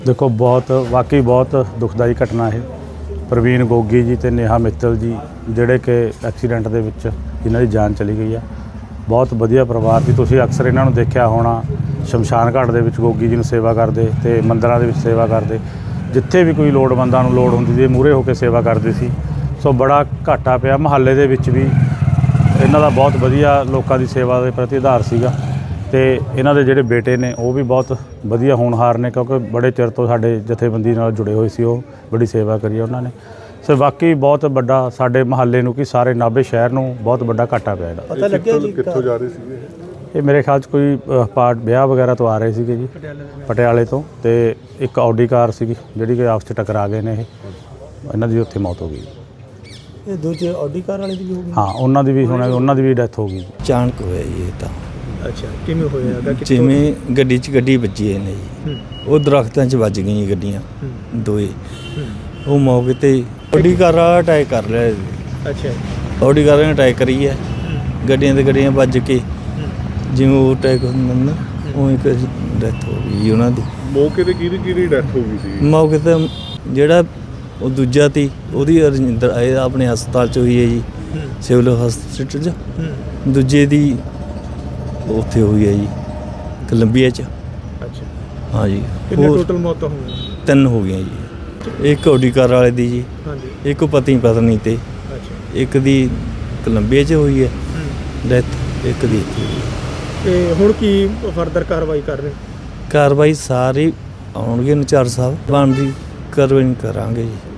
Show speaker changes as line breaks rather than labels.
देखो बहुत वाकई बहुत दुखदाई घटना है। प्रवीण गोगी जी ते नेहा मित्तल जी ਜਿਹੜੇ ਕਿ ਐਕਸੀਡੈਂਟ ਦੇ ਵਿੱਚ ਜਿਨ੍ਹਾਂ ਦੀ ਜਾਨ ਚਲੀ ਗਈ ਆ। ਬਹੁਤ ਵਧੀਆ ਪਰਿਵਾਰ ਸੀ। ਤੁਸੀਂ ਅਕਸਰ ਇਹਨਾਂ ਨੂੰ ਦੇਖਿਆ ਹੋਣਾ ਸ਼ਮਸ਼ਾਨ ਘਾਟ ਦੇ ਵਿੱਚ ਗੋਗੀ ਜੀ ਨੂੰ ਸੇਵਾ ਕਰਦੇ ਤੇ ਮੰਦਰਾਂ ਦੇ ਵਿੱਚ ਸੇਵਾ ਕਰਦੇ। ਜਿੱਥੇ ਵੀ ਕੋਈ ਲੋੜਵੰਦਾਂ ਨੂੰ ਲੋੜ ਹੁੰਦੀ ਸੀ ਮੂਹਰੇ ਹੋ ਕੇ ਸੇਵਾ ਕਰਦੇ ਸੀ। ਸੋ ਬੜਾ ਘਾਟਾ ਪਿਆ। ਮੁਹੱਲੇ ਦੇ ਵਿੱਚ ਵੀ ਇਹਨਾਂ ਦਾ ਬਹੁਤ ਵਧੀਆ ਲੋਕਾਂ ਦੀ ਸੇਵਾ ਦੇ ਪ੍ਰਤੀ ਆਧਾਰ ਸੀਗਾ। ਤੇ ਇਹਨਾਂ ਦੇ ਜਿਹੜੇ ਬੇਟੇ ਨੇ ਉਹ ਵੀ ਬਹੁਤ ਵਧੀਆ ਹੋਣਹਾਰ ਨੇ, ਕਿਉਂਕਿ ਬੜੇ ਚਿਰ ਤੋਂ ਸਾਡੇ ਜਥੇਬੰਦੀ ਨਾਲ ਜੁੜੇ ਹੋਏ ਸੀ। ਉਹ ਬੜੀ ਸੇਵਾ ਕਰੀ ਉਹਨਾਂ ਨੇ। ਸੋ ਵਾਕਈ ਬਹੁਤ ਵੱਡਾ ਸਾਡੇ ਮੁਹੱਲੇ ਨੂੰ ਕਿ ਸਾਰੇ ਨਾਭੇ ਸ਼ਹਿਰ ਨੂੰ ਬਹੁਤ ਵੱਡਾ ਘਾਟਾ ਪਿਆ ਇਹਦਾ।
ਪਤਾ ਲੱਗਿਆ ਜੀ ਕਿੱਥੋਂ ਜਾ ਰਹੇ ਸੀਗੇ
ਇਹ ਮੇਰੇ ਖਿਆਲ 'ਚ ਕੋਈ ਪਾਰਟ ਵਿਆਹ ਵਗੈਰਾ ਤੋਂ ਆ ਰਹੇ ਸੀਗੇ ਜੀ, ਪਟਿਆਲੇ ਤੋਂ। ਤੇ ਇੱਕ ਆਡੀ ਕਾਰ ਸੀਗੀ ਜਿਹੜੀ ਕਿ ਆਪਸ 'ਚ ਟਕਰਾ ਗਏ ਨੇ। ਇਹਨਾਂ ਦੀ ਉੱਥੇ ਮੌਤ ਹੋ ਗਈ।
ਇਹ ਦੂਜੇ ਆਡੀ ਕਾਰ ਵਾਲੇ ਦੀ ਵੀ ਹੋ ਗਈ?
ਹਾਂ, ਉਹਨਾਂ ਦੀ ਵੀ ਉਹਨਾਂ ਦੀ ਵੀ ਡੈਥ ਹੋ ਗਈ।
ਅਚਾਨਕ ਹੋਇਆ ਜੀ ਇਹ ਤਾਂ।
ਅੱਛਾ, ਕਿਵੇਂ ਹੋਇਆ?
ਜਿਵੇਂ ਗੱਡੀ 'ਚ ਗੱਡੀ ਵੱਜੀ ਨੇ ਜੀ, ਉਹ ਦਰਖਤਾਂ 'ਚ ਵੱਜ ਗਈਆਂ ਗੱਡੀਆਂ ਦੋਏ। ਉਹ ਮੌਕੇ ਤੇ ਆਡੀ ਕਾਰ ਵਾਲਾ ਅਟੈਕ ਕਰ ਲਿਆ ਜੀ।
ਅੱਛਾ,
ਆਡੀ ਕਾਰ ਨੇ ਅਟੈਕ ਕਰੀ ਹੈ। ਗੱਡੀਆਂ ਤੇ ਗੱਡੀਆਂ ਵੱਜ ਕੇ ਜਿਵੇਂ ਉਹ ਅਟੈਕ ਹੁੰਦਾ ਨਾ ਉਹ ਇੱਕ ਡੈਥ ਹੋ ਗਈ ਉਹਨਾਂ ਦੀ।
ਮੌਕੇ ਤੇ ਕਿਹਦੀ ਡੈਥ ਹੋ ਗਈ ਸੀ?
ਮੌਕੇ ਤੇ ਜਿਹੜਾ ਉਹ ਦੂਜਾ ਤੀ ਉਹਦੀ ਰਜਿੰਦਰ ਆਪਣੇ ਹਸਪਤਾਲ 'ਚ ਹੋਈ ਹੈ ਜੀ, ਸਿਵਲ ਹਸਪਤਾਲ 'ਚ। ਦੂਜੇ ਦੀ ਉੱਥੇ ਹੋਈ ਹੈ ਜੀ ਕੋਲੰਬੀਆ 'ਚ।
ਅੱਛਾ,
ਹਾਂ ਜੀ।
ਕਿੰਨੇ ਟੋਟਲ ਮੌਤਾਂ ਹੋਈਆਂ?
3 ਹੋ ਗਈਆਂ ਜੀ। ਇੱਕ ਆਡੀ ਕਾਰ ਵਾਲੇ ਦੀ ਜੀ,
ਹਾਂਜੀ।
ਇੱਕ ਪਤੀ ਪਤਨੀ ਤੇ,
ਅੱਛਾ,
ਇੱਕ ਦੀ ਕੋਲੰਬੀਆ 'ਚ ਹੋਈ ਹੈ ਡੈਥ, ਇੱਕ ਦੀ ਇੱਥੇ ਹੋਈ ਹੈ।
ਤੇ ਹੁਣ ਕੀ ਫਰਦਰ ਕਾਰਵਾਈ ਕਰ ਰਹੇ?
ਕਾਰਵਾਈ ਸਾਰੇ ਆਉਣਗੇ ਨਚਾਰ ਸਾਹਿਬ, ਬਣਦੀ ਕਾਰਵਾਈ ਕਰਾਂਗੇ ਜੀ।